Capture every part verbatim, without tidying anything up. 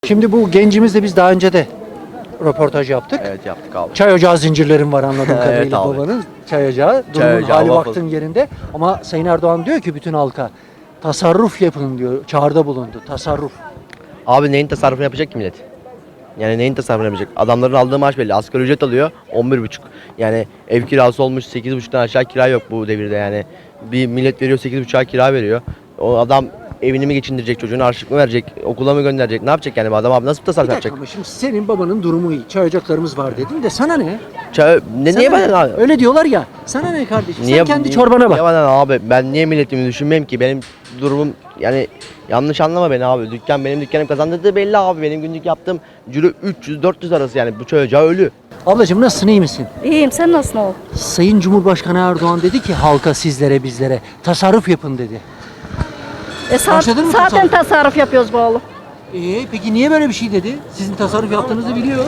Şimdi bu gencimizle biz daha önce de röportaj yaptık. Evet yaptık abi. Çay ocağı zincirlerin var anladığım Evet kadarıyla abi. babanın çay ocağı. Çay Durumun ocağı, hali waffle. vaktın yerinde. Ama Sayın Erdoğan diyor ki bütün halka tasarruf yapın diyor. Çağrıda bulundu. Tasarruf. Abi neyin tasarrufunu yapacak ki millet? Yani neyin tasarrufunu yapacak? Adamların aldığı maaş belli. Asgari ücret alıyor on bir buçuk. Yani ev kirası olmuş sekiz buçuktan aşağı kira yok bu devirde yani. Bir millet veriyor sekiz buçuğa kira veriyor. O adam evini mi geçindirecek, çocuğunu harçlık mı verecek, okula mı gönderecek, ne yapacak yani bu adam abi nasıl Bir tasarruf dakika yapacak? ama şimdi senin babanın durumu iyi. Çay ocaklarımız var dedin de sana ne? Çay, ne, Sana niye ne? bana abi? Öyle diyorlar ya. Sana ne kardeşim? Niye, Sen kendi niye- çorbana bak. Niye bana abi? Ben niye milletimi düşünmeyeyim ki? Benim durumum yani yanlış anlama beni abi. Dükkan benim dükkanım kazandırdığı belli abi. Benim günlük yaptığım ciro üç yüz dört yüz arası yani bu çocuğa ölü. Ablacığım nasılsın, iyi misin? İyiyim, sen nasılsın oğlum? Sayın Cumhurbaşkanı Erdoğan dedi ki halka, sizlere, bizlere tasarruf yapın dedi. E, sa- Başladın mı zaten tasarruf? tasarruf yapıyoruz bu oğlum. Ee, peki niye böyle bir şey dedi? Sizin tasarruf yaptığınızı biliyor.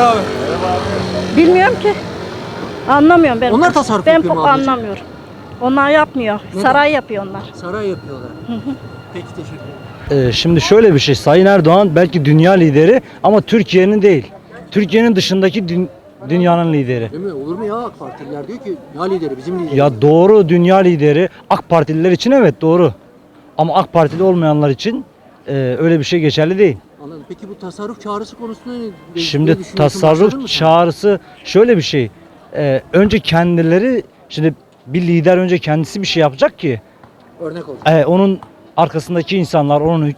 Bilmiyorum ki. Anlamıyorum ben. Onlar tasarruf ben yapıyor mu pek ablacığım? anlamıyorum. Onlar yapmıyor. Neden? Saray yapıyor onlar. Saray yapıyorlar. Peki teşekkür ederim. Ee, Şimdi şöyle bir şey, Sayın Erdoğan belki dünya lideri ama Türkiye'nin değil. Türkiye'nin dışındaki dü- dünyanın lideri. Değil mi? Olur mu ya? AK Partililer diyor ki ya lideri bizim liderimiz. Ya doğru, dünya lideri. AK Partililer için evet doğru. Ama AK Partili olmayanlar için e, öyle bir şey geçerli değil. Anladım. Peki bu tasarruf çağrısı konusunda ne, ne Şimdi düşünüyorsun? Başladın tasarruf mı sen? çağrısı şöyle bir şey. Ee, önce kendileri, şimdi bir lider önce kendisi bir şey yapacak ki Örnek olsun. e, onun arkasındaki insanlar, onun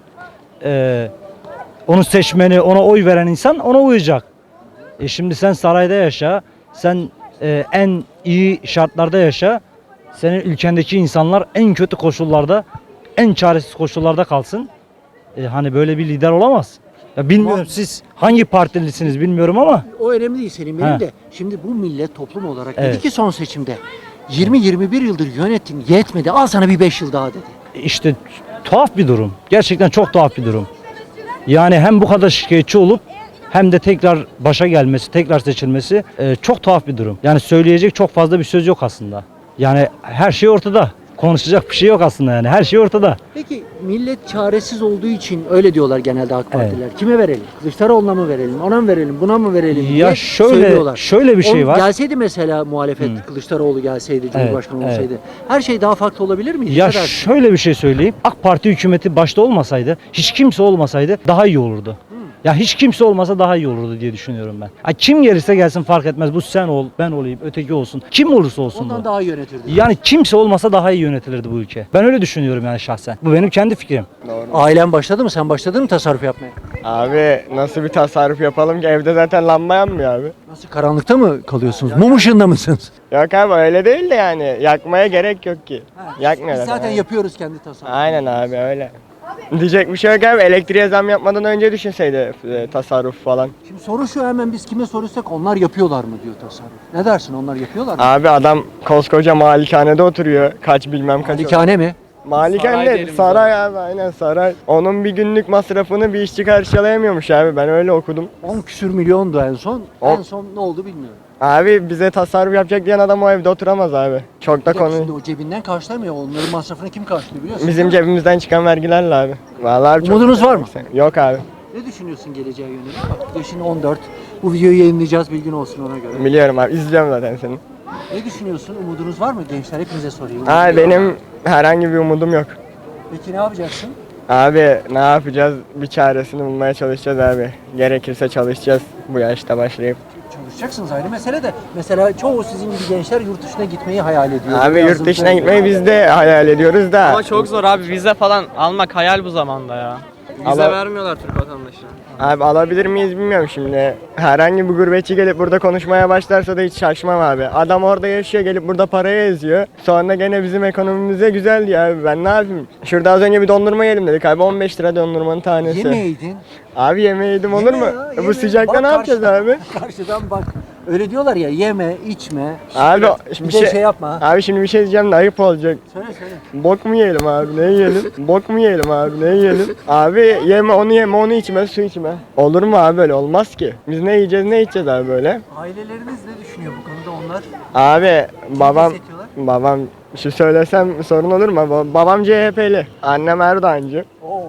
e, onun seçmeni, ona oy veren insan ona uyacak. E şimdi sen sarayda yaşa, sen e, en iyi şartlarda yaşa, senin ülkendeki insanlar en kötü koşullarda, en çaresiz koşullarda kalsın. E, hani böyle bir lider olamaz. Ya bilmiyorum Ama- siz hangi partilisiniz bilmiyorum ama O önemli değil Selim benim He. de. Şimdi bu millet toplum olarak dedi Evet. ki son seçimde yirmi yirmi bir yıldır yönettin yetmedi al sana bir beş yıl daha dedi. işte tuhaf bir durum. Gerçekten çok tuhaf bir durum. Yani hem bu kadar şikayetçi olup hem de tekrar başa gelmesi, tekrar seçilmesi e, çok tuhaf bir durum. Yani söyleyecek çok fazla bir söz yok aslında. Yani her şey ortada. Konuşacak bir şey yok aslında yani. Her şey ortada. Peki millet çaresiz olduğu için öyle diyorlar genelde AK Partiler. Kime verelim? Kılıçdaroğlu'na mı verelim? Ona mı verelim? Buna mı verelim? Ya diye şöyle- söylüyorlar. şöyle bir şey O var. Gelseydi mesela muhalefet Kılıçdaroğlu gelseydi, Cumhurbaşkanı evet. olsaydı her şey daha farklı olabilir miydi? Ya Ne dersin? şöyle bir şey söyleyeyim. AK Parti hükümeti başta olmasaydı, hiç kimse olmasaydı daha iyi olurdu. Ya hiç kimse olmasa daha iyi olurdu diye düşünüyorum ben. Ha, kim gelirse gelsin fark etmez. Bu sen ol, ben olayım, öteki olsun. Kim olursa olsun Ondan bu. daha iyi yönetirdi. Yani kimse olmasa daha iyi yönetilirdi bu ülke. Ben öyle düşünüyorum yani şahsen. Bu benim kendi fikrim. Ailen başladı mı? Sen başladın mı tasarruf yapmaya? Abi nasıl bir tasarruf yapalım ki evde zaten lamba yanmıyor abi. Nasıl karanlıkta mı kalıyorsunuz? Mum ışığında mısınız? Yok abi öyle değil de yani yakmaya gerek yok ki. Yakmıyor Biz zaten zaten. yapıyoruz kendi tasarrufu. Aynen abi öyle. Diyecek bir şey yok abi, elektriğe zam yapmadan önce düşünseydi e, tasarruf falan. Şimdi soru şu, hemen biz kime sorursak onlar yapıyorlar mı diyor tasarruf. Ne dersin, onlar yapıyorlar mı? Abi adam koskoca malikanede oturuyor, kaç bilmem kaç. Malikane mi? Malikane, saray abi, aynen saray. Onun bir günlük masrafını bir işçi karşılayamıyormuş abi, ben öyle okudum. on küsür milyondu en son. O- En son ne oldu bilmiyorum. Abi bize tasarruf yapacak diyen adam o evde oturamaz abi. Çok da Bir dakika, konu. Şimdi o cebinden karşılamıyor. Onların masrafını kim karşılıyor biliyorsun? Bizim cebimizden çıkan vergilerle abi. Vallahi abi çok- Umudunuz var mı? Yok abi. Ne düşünüyorsun geleceğe yönelik? Bak yaşın on dört. Bu videoyu yayınlayacağız, bilgin olsun ona göre. Biliyorum abi, izliyorum zaten seni. Ne düşünüyorsun? Umudunuz var mı? Gençler hepinize sorayım. Abi benim herhangi bir umudum yok. Peki ne yapacaksın? Abi ne yapacağız? Bir çaresini bulmaya çalışacağız abi. Gerekirse çalışacağız bu yaşta başlayıp. Çalışacaksınız, ayrı mesele de. Mesela çoğu sizin gibi gençler yurt dışına gitmeyi hayal ediyor. Abi Yazın yurt dışına söylüyor. gitmeyi biz de hayal ediyoruz da. Ama çok zor abi, vize falan almak hayal bu zamanda ya. Vize Ama- vermiyorlar Türk vatandaşına. Abi alabilir miyiz bilmiyorum şimdi. Herhangi bir gurbetçi gelip burada konuşmaya başlarsa da hiç şaşmam abi. Adam orada yaşıyor, gelip burada parayı eziyor. Sonra gene bizim ekonomimize güzel diyor abi, ben ne yapayım? Şurada az önce bir dondurma yiyelim dedik abi, on beş lira dondurmanın tanesi. Yemeğiydin. Abi yemeği yedim olur mu? Yeme ya, Bu yeme. sıcakta Bak ne yapacağız karşıdan- abi? Karşıdan bak. Öyle diyorlar ya, yeme, içme. Abi Bir şimdi de bir şey, şey yapma. Abi şimdi bir şey diyeceğim de ayıp olacak. Söyle söyle. Bok mu yiyelim abi, ne yiyelim? Bok mu yiyelim abi, ne yiyelim? Abi yeme onu yeme onu içme, su içme. Olur mu abi, böyle olmaz ki. Biz ne yiyeceğiz ne içeceğiz abi böyle? Aileleriniz ne düşünüyor bu konuda onlar? Abi babam destekliyorlar? babam şu söylesem sorun olur mu? Ba- Babam C H P'li. Annem Erdoğancı. Oo,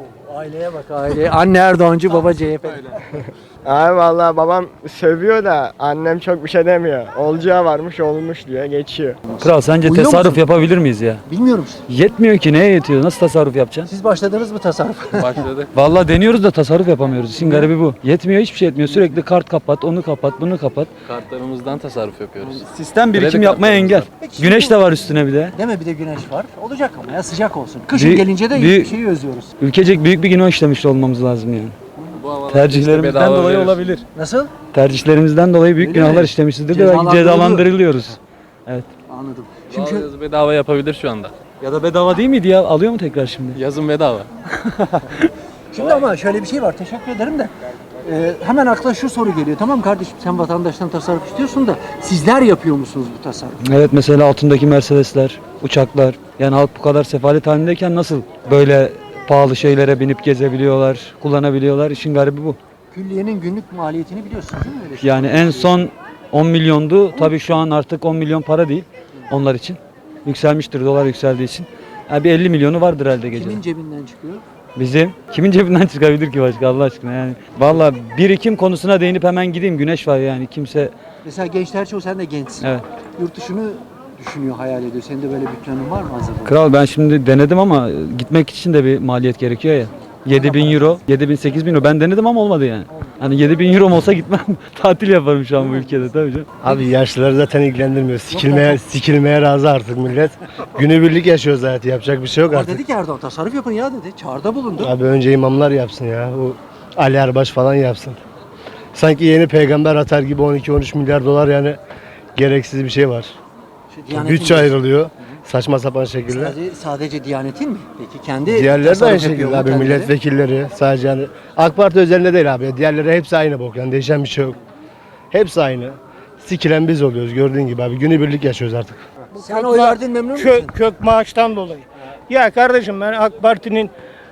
Aileye bak aileye. Anne Erdoğancı, baba C H P. Abi vallahi babam sövüyor da annem çok bir şey demiyor. Olacağı varmış olmuş diyor geçiyor. Kral sence Uyuyor tasarruf musun? yapabilir miyiz ya? Bilmiyorum işte. Yetmiyor ki, neye yetiyor? Nasıl tasarruf yapacaksın? Siz başladınız mı tasarruf? Başladık. Vallahi deniyoruz da tasarruf yapamıyoruz. İşin garibi bu. Yetmiyor, hiçbir şey yetmiyor. Sürekli kart kapat, onu kapat, bunu kapat. Kartlarımızdan tasarruf yapıyoruz. Sistem birikim Kredi yapmaya engel. kartlarımızdan. Güneş de var üstüne bir de. Deme bir de güneş var. Olacak ama ya sıcak olsun. Kışın Bir- gelince de bir- hiçbir şeyi özlüyoruz. Ülkecek büyük bir günah işlemiş olmamız lazım yani. Bu havalarda Tercihlerimizden işte bedava dolayı verir. olabilir. Nasıl? Tercihlerimizden dolayı büyük Öyle günahlar mi? işlemişizdir de belki Cezalandırılıyor. cezalandırılıyoruz. Anladım. Şimdi Şimdi yazı bedava yapabilir şu anda. Ya da bedava değil miydi ya? Alıyor mu tekrar şimdi? Yazın bedava. Şimdi ama şöyle bir şey var. Teşekkür ederim de. Ee, hemen akla şu soru geliyor. Tamam kardeşim sen vatandaştan tasarruf istiyorsun da sizler yapıyor musunuz bu tasarrufu? Evet, mesela altındaki Mercedesler, uçaklar. Yani halk bu kadar sefalet halindeyken nasıl böyle pahalı şeylere binip gezebiliyorlar, kullanabiliyorlar? İşin garibi bu. Külliyenin günlük maliyetini biliyorsunuz değil mi? Öyle şey. Yani en son on milyondu. Tabii şu an artık on milyon para değil onlar için. Yükselmiştir dolar yükseldiği için. Yani bir elli milyonu vardır herhalde gece. Kimin cebinden çıkıyor? Bizim kimin cebinden çıkabilir ki başka Allah aşkına yani. Vallahi birikim konusuna değinip hemen gideyim. Güneş var yani kimse. Mesela gençler çoğu sen de gençsin. Evet. Yurt dışını düşünüyor, hayal ediyor. Senin de böyle bir planın var mı hazır? Kral ben şimdi denedim ama gitmek için de bir maliyet gerekiyor ya. yedi bin euro, yedi bin sekiz bin euro. Ben denedim ama olmadı yani. Hani yedi bin euro olsa gitmem. Tatil yaparım şu an bu ülkede tabii canım. Abi yaşlıları zaten ilgilendirmiyor. Sikilmeye, sikilmeye razı artık millet. Günübirlik yaşıyor zaten. Yapacak bir şey yok Ama artık. dedi ki Erdoğan tasarruf yapın ya dedi. Çağrıda bulundu. Abi önce imamlar yapsın ya. O Ali Erbaş falan yapsın. Sanki yeni peygamber atar gibi on iki on üç milyar dolar yani gereksiz bir şey var. Şu Diyanet'in Bütçe de- ayrılıyor. Saçma sapan şekilde. Sadece, sadece Diyanet'in mi? Peki kendi Diğerleri de tasarruf aynı yapıyor şekilde mu abi, kendileri? milletvekilleri sadece yani AK Parti özelinde değil abi. Diğerleri hepsi aynı bok yani değişen bir şey yok. Hepsi aynı. Sikilen biz oluyoruz gördüğün gibi abi. Günübirlik yaşıyoruz artık. Sen oy verdin memnun musun? Kök, kök maaştan dolayı. Ya kardeşim ben AK Parti'nin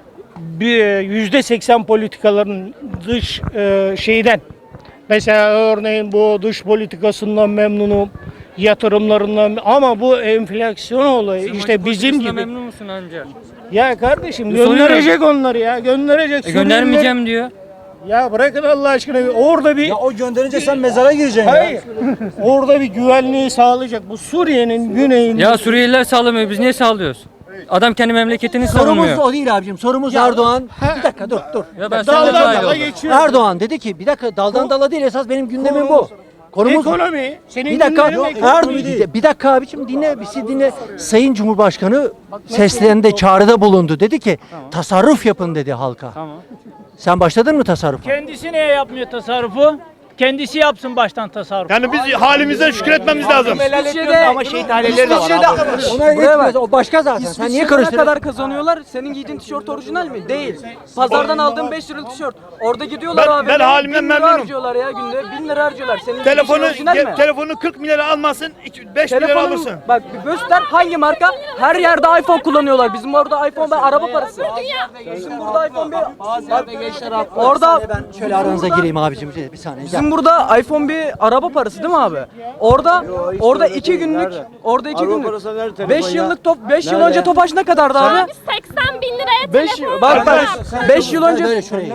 bir yüzde seksen politikaların dış e, şeyden mesela örneğin bu dış politikasından memnunum, yatırımlarından ama bu enflasyon olayı işte bizim gibi. Memnun musun anca? Ya kardeşim Soruyorum. gönderecek onları ya gönderecek. E göndermeyeceğim diyor. Ya bırakın Allah aşkına orada bir O gönderince sen mezara gireceksin hayır orada bir güvenliği sağlayacak bu Suriye'nin güneyinde. Ya Suriyeliler sağlamıyor, biz niye sağlıyoruz? Adam kendi memleketini Sorumuz savunmuyor. o değil abicim. Sorumuz Erdoğan. Bir dakika dur dur. Ya ben sana Daldan dahil dala oldum. geçiyor. Erdoğan dedi ki bir dakika daldan dala değil esas benim gündemim bu. Konumuz Ekonomi. Senin bir dakika günlerin Erdoğan ekonomi değil. bir, bir dakika abicim dinle bizi dinle. Sayın Cumhurbaşkanı seslerinde çağrıda bulundu. Dedi ki tasarruf yapın dedi halka. Tamam. Sen başladın mı tasarrufa? Kendisi niye yapmıyor tasarrufu? Kendisi yapsın baştan tasarruf. Yani biz halimizden şükretmemiz lazım. Ama şehit aileleri de var. Ona yetmez. O başka zaten. Sen niye karıştırıyorsun? kazanıyorlar? Senin giydiğin tişört orijinal mi? Değil. Pazardan aldığın beş liralık tişört. Orada gidiyorlar Ben- abi. ben halimden bin lira memnunum. harcıyorlar ya günde. bin lira harcıyorlar. Senin Telefonu giydiğin orijinal mi? ge- telefonu kırk milyara almasın, beş milyara Telefonun alırsın. bak bir göster hangi marka? Her yerde iPhone kullanıyorlar. Bizim orada iPhone ve araba parası. Bizim burada iPhone bir bak, orada Ben şöyle aranıza gireyim abicim. Bir saniye. Gel. bizim burada iPhone bir araba parası değil mi abi? Orada orada iki günlük orada iki günlük beş yıllık top beş yıl önce Tofaş ne kadardı abi? seksen bin liraya beş bak bak beş yıl önce Böyle şuraya.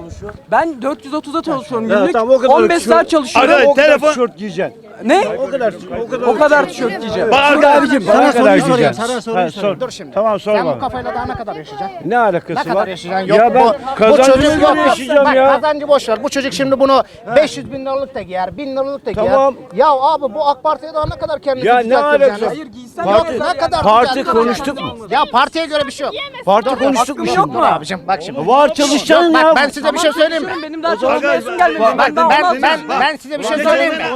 ben dört yüz otuza çalışıyorum günlük. on beş saat çalışıyorum. Arkadaş telefon Tişört giyeceksin. Ne? O kadar o kadar tişört giyeceğim. bak Burada arkadaş, abicim sana soruyu sorayım. Sana soruyu sorayım. Dur şimdi. Tamam sorma. Sen bu kafayla daha ne kadar yaşayacaksın? Ne alakası Ne kadar var? yaşayacaksın? Yok Ya ben bu, bu kazancımı çocuk yok. yaşayacağım Bak, ya. kazancı boş ver. Bu çocuk şimdi bunu beş yüz bin liralık da giyer, bin liralık da giyer. Tamam. Ya abi bu AK Parti'ye daha ne kadar kendinizi Ya ne düzelteceksiniz alakası? yani? Hayır giysen Yok, ne ne kadar Parti düzelteceksiniz? konuştuk mu? Ya partiye göre bir şey yok. Parti konuştuk mu? Dur, yok mu? dur abicim bak şimdi. Var çalışacaksın Yok, ya. bak ben size bir şey söyleyeyim mi? Benim daha çalışmayasım gelmedi. Bak Ben daha ben onu ben yapıyorum. ben size bir şey söyleyeyim mi?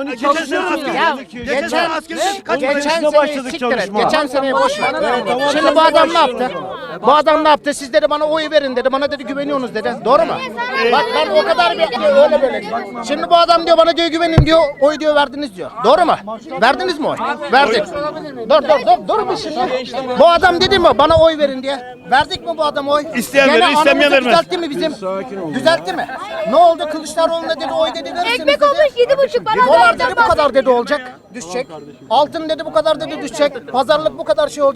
Ya geçen geçen seneyi siktir et. Geçen seneyi boş ver. Şimdi bu adam ne yaptı? Bu adam ne yaptı? Siz dedi bana oy verin dedi. Bana dedi güveniyorsunuz dedi. Doğru mu? Bak ben o kadar bekliyorum öyle böyle. Şimdi bu adam diyor bana diyor güvenin diyor. Oy diyor verdiniz diyor. Doğru mu? Verdiniz mi oy? Verdik. Dur dur dur dur bir şimdi. Bu adam dedi mi bana oy verin diye. Verdik mi bu adama oy? İsteyen Gene verir, istemeyen anamızı vermez. Düzeltti mi bizim? Düzeltti mi? Ne oldu? Kılıçdaroğlu'na dedi oy dedi verirsiniz Ekmek dedi. olmuş yedi buçuk bana. Dolar dedi bu kadar dedi olacak. Düşecek. Altın dedi bu kadar dedi düşecek. Pazarlık bu kadar şey olacak.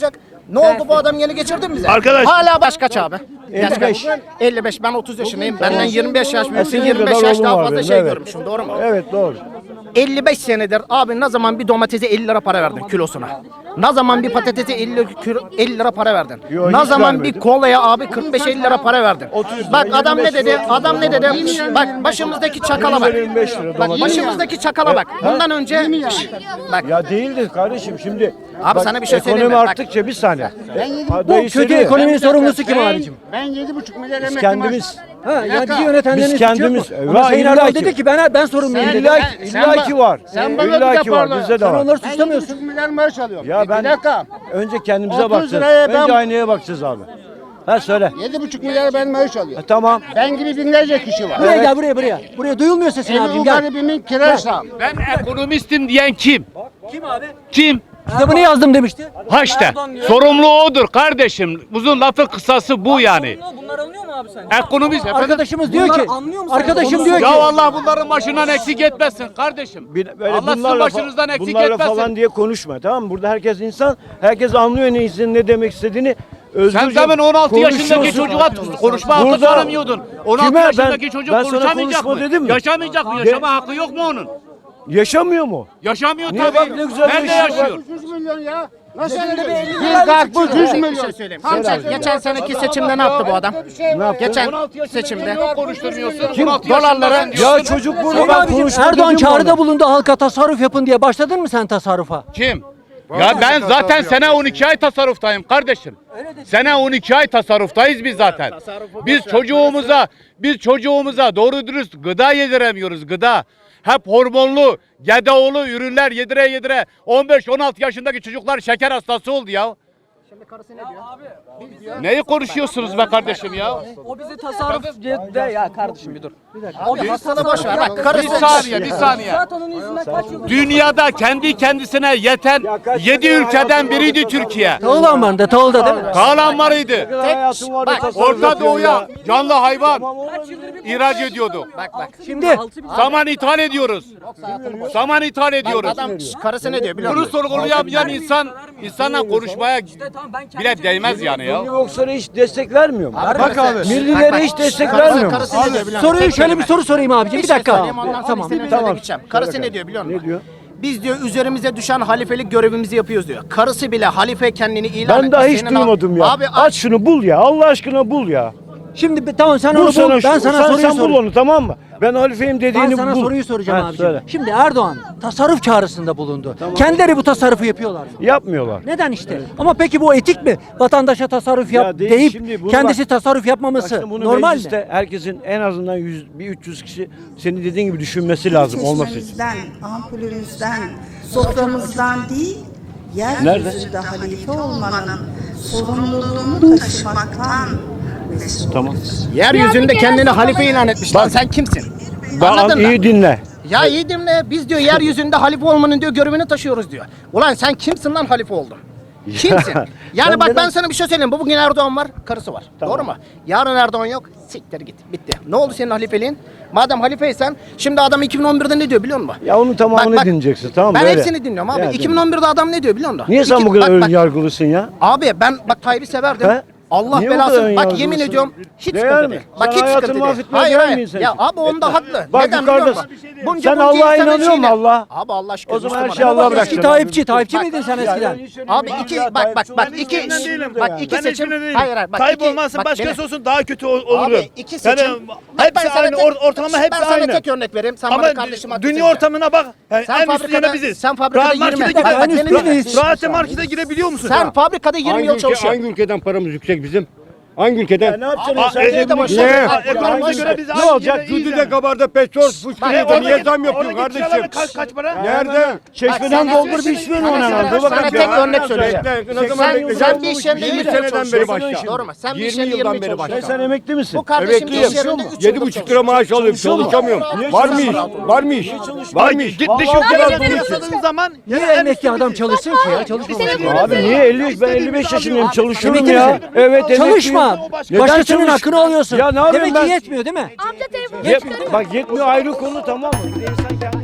Ne oldu bu adam yeni geçirdi mi bize? Arkadaş- Hala baş kaç abi? elli beş. elli beş. Ben otuz yaşındayım. Benden yirmi beş yaş büyüksün. senin yirmi beş kadar yaş oğlum daha var fazla benim, şey evet. görmüşsün. Doğru mu? Evet doğru. elli beş senedir abi ne zaman bir domatese elli lira para verdin kilosuna? Ne zaman bir patatese elli, kilo- elli lira para verdin? Yo, ne hiç zaman vermedim. bir kolaya abi kırk beş elli lira para verdin? Bak lira, adam ne yirmi beş dedi? lira, Adam ne dedi? Bak başımızdaki çakala bak. yirmi beş lira Bak domates. başımızdaki çakala bak. Bundan önce bak Ya değildir kardeşim şimdi. Abi bak, sana bir şey söyleyeyim mi? Ekonomi Bak. arttıkça bir saniye. Bu kötü ekonominin sorumlusu kim abicim? Ben yedi buçuk milyar Biz emekli kendimiz. Ha, yani bizi yönetenlerin Biz suçu yok kendimiz- mu? E, Ama va- Sayın illa Erdoğan ki- dedi ki ben ben sorumluyum dedi. İlla, sen- illa sen ki ba- var. sen E, bana İlla bir ki var. deparla- Bizde de Sen var. onları Ben yedi suçlamıyorsun. buçuk milyar maaş alıyorum. Ya Bir ben dakika. önce kendimize otuz bakacağız. liraya ben- Önce aynaya bakacağız abi. Ha söyle. Yedi buçuk milyar ben maaş E, alıyorum. tamam. Ben gibi binlerce kişi var. Buraya gel buraya buraya. Buraya duyulmuyor sesin Evi abicim bu gel. garibimin kirası. Ben ekonomistim diyen kim? Kim abi? Kim? Kitabını yazdım demişti. Ha işte. Sorumlu odur kardeşim. Uzun lafı kısası bu yani. Bunlar anlıyor mu abi sen? Ekonomist efendim. Arkadaşımız diyor ki anlıyor musun? arkadaşım diyor ki Ya Allah bunların başından eksik etmesin kardeşim. Bir- Böyle Allah sizin bunlarla, başınızdan fa- eksik bunlarla etmesin. falan diye konuşma tamam mı? Burada herkes insan. Herkes anlıyor ne istediğini, ne demek istediğini. Sen Özgürce zaman on altı yaşındaki konuşuyorsun. çocuğa konuşma hakkı Burada- tanımıyordun. on altı Kime? yaşındaki Ben- çocuk ben sana konuşamayacak konuşma mı? dedim mi? Yaşamayacak mı? De- Yaşama hakkı yok mu onun? Yaşamıyor mu? Yaşamıyor Niye? tabii. Bak ne güzel Nerede yaşıyor. yaşıyor? yüz milyon ya. Nasıl Bir karpuz yüz milyon söyleyeyim. Geçen, geçen seneki seçimde ne yaptı bu adam? Ne yaptı? Geçen seçimde. Konuşturmuyorsun. Kim? on altı Dolarlara- yaşından diyorsun. Ya çocuk Sayın burada ben abicim, konuşma Erdoğan dedim mi çağrıda ona? bulundu halka tasarruf yapın diye. Başladın mı sen tasarrufa? Kim? Ya ben zaten sene on iki ay tasarruftayım kardeşim. Sene on iki ay tasarruftayız biz zaten. Biz çocuğumuza, biz çocuğumuza doğru dürüst gıda yediremiyoruz gıda. Hep hormonlu, gedaoğlu ürünler yedire yedire on beş on altı yaşındaki çocuklar şeker hastası oldu ya. Neyi konuşuyorsunuz be kardeşim ya? O bize tasarruf de ya kardeşim bir dur. Abi hastalığı boş ver. Bak Bir karısı saniye, bir saniye. Zaten onun yüzünden kaç yıldır Dünyada kendi kendisine yeten yedi ülkeden biriydi Türkiye. Tahıl ambarında, tahılda değil mi? Sağlanmalıydı. Hayatım vardı Bak, tasarruf Orta yapıyor Doğu'ya ya. canlı hayvan kaç yıldır bir ihraç ediyordu. Bak bak. Şimdi Saman ithal ediyoruz. Saman ithal ediyoruz. Adam şş, karısı ne diyor biliyor Bunu musun? sorgulayamayan insan insanla konuşmaya tamam ben kendim bile değmez yani ya. Milli bokslara hiç destek vermiyor mu? Bak abi. Millilere hiç destek Karısı, vermiyor mu? karısı ne diyor biliyor musun? soruyu Tek şöyle kelime. bir soru sorayım abicim. Bir şey dakika. söyleyeyim, ondan sonra Tamam. istediğim Tamam. yere gideceğim. Karısı ne diyor biliyor musun? Ne diyor? Biz diyor üzerimize düşen halifelik görevimizi yapıyoruz diyor. Karısı bile halife kendini ilan Ben etti. daha hiç Senin al- duymadım ya. Abi Aç şunu bul ya. Allah aşkına bul ya. Şimdi bir- tamam sen Bul onu sana bul. Ben şu- sana sen, soruyu sen bul sorayım. onu tamam mı? Ben halifeyim dediğini Ben sana bul. soruyu soracağım Ha, abicim. söyle. Şimdi Erdoğan tasarruf çağrısında bulundu. Kendileri bu tasarrufu yapıyorlar mı? Yapmıyorlar. Neden işte? Ama peki bu etik mi? Vatandaşa tasarruf yap Ya değil, deyip şimdi bunu kendisi bak- tasarruf Bak yapmaması şimdi bunu normal mi? mecliste herkesin en azından yüz, bir üç yüz kişi senin dediğin gibi düşünmesi lazım olması için. Çeşmemizden, ampulümüzden, soframızdan değil, yeryüzünde halife olmanın sorumluluğunu taşımaktan mesul. Tamam. yeryüzünde kendini halife ilan etmiş. Lan sen kimsin? Bak Anladın mı? iyi dinle. Ya iyi dinle. Biz diyor yeryüzünde halife olmanın diyor görevini taşıyoruz diyor. Ulan sen kimsin lan halife oldun? Kimsin? Yani Sen bak neden- ben sana bir şey söyleyeyim. Bu bugün Erdoğan var, karısı var. Doğru mu? Yarın Erdoğan yok. Siktir git. Bitti. Ne oldu senin halifeliğin? Madem halifeysen şimdi adam iki bin on birde ne diyor biliyor musun? Ya onun tamamını Bak, bak, dinleyeceksin tamam mı? Ben Öyle. hepsini dinliyorum abi. Ya, iki bin on birde adam ne diyor biliyor musun? Niye sen İki- bu kadar bak, ön bak. yargılısın ya? Abi ben bak Tayyip'i severdim. He? Allah Niye bu kadar belasını. ön Bak yargılısın? yemin ediyorum hiç Değer sıkıntı mi? değil. Bak Sen hiç hayatını sıkıntı değil. mahvetmeye Hayır değer hayır. mi insan Ya için? abi onda Etme. haklı. Bak Neden yukarıda- biliyor musun? Bunca Sen bunca Allah'a insanın inanıyor musun şeyine- Allah? Abi Allah aşkına. O zaman her Müslüman. şey Allah'a Eski bıraksın. Tayyipçi, Tayyipçi Bak- miydin sen eskiden? Abi iki bak bak bak iki bak iki seçim. Hayır hayır bak Tayyip iki- olmazsa bak başkası beni- olsun daha kötü ol- olurdu. Abi iki seçim. Yani Bak ben hepsi sana aynı, tek- or- ortalama hepsi Ben sana aynı. tek örnek vereyim. Sen bana Ama kardeşim haklısın dünya diyeceğim. ortamına bak. Yani Sen en üstü fabrikada- yine biziz. sen fabrikada Rahat yirmi- markete Bak, gire- bak, beni Rahat- dinle. Rahat markete girebiliyor musun? Sen fabrikada yirmi yıl çalışıyorsun. ülkeden paramız yüksek bizim? Hangi ülkeden? Ne yapacaksın? Abi, sen? Türkiye'de Ne? başladı. Bak, Ekonomiye bak, göre biz Ne aynı olacak? yere iyiyiz Düdü'de yani. kabarda petrol Bak, fışkırıyordu. oradaki- Niye zam yapıyorsun Oradaki kardeşim? kiralar kaç kaç para? Nerede? Çeşmeden Bak, doldur sana- bir içmiyor sana- ona sana- lan. Dur sana bakalım tek ya. örnek söyleyeceğim. Bekle, ne zaman Sen, bekleyeceğim? sen bir iş yerinde yirmi yirmi yıl seneden beri çalışıyorsun. başla. Doğru mu? Sen bir iş yirmi yerinde yıldan yirmi beri yıl başla. çalışıyorsun. Sen emekli misin? Bu kardeşim bir iş Emekliyim. yerinde üç Yedi yıldır buçuk lira maaş alıyorum. Çalışamıyorum. Var mı iş? Var mı iş? Var mı iş? Git Vallahi dış biraz ülkelerde bunu yaşadığın zaman Niye yani en emekli üstü adam biziz. çalışsın ki ya? Çalışmamak. Abi niye elli? Ben elli beş yaşındayım. Çalışıyorum Emekli ya. misin? Evet emekliyim. Çalışma. Neden Başkasının çalış- hakkını alıyorsun. Ya ne yapayım Demek ben? ki yetmiyor değil mi? Amca telefonu Yet- bak yetmiyor ayrı konu tamam mı? Bir de insan kendi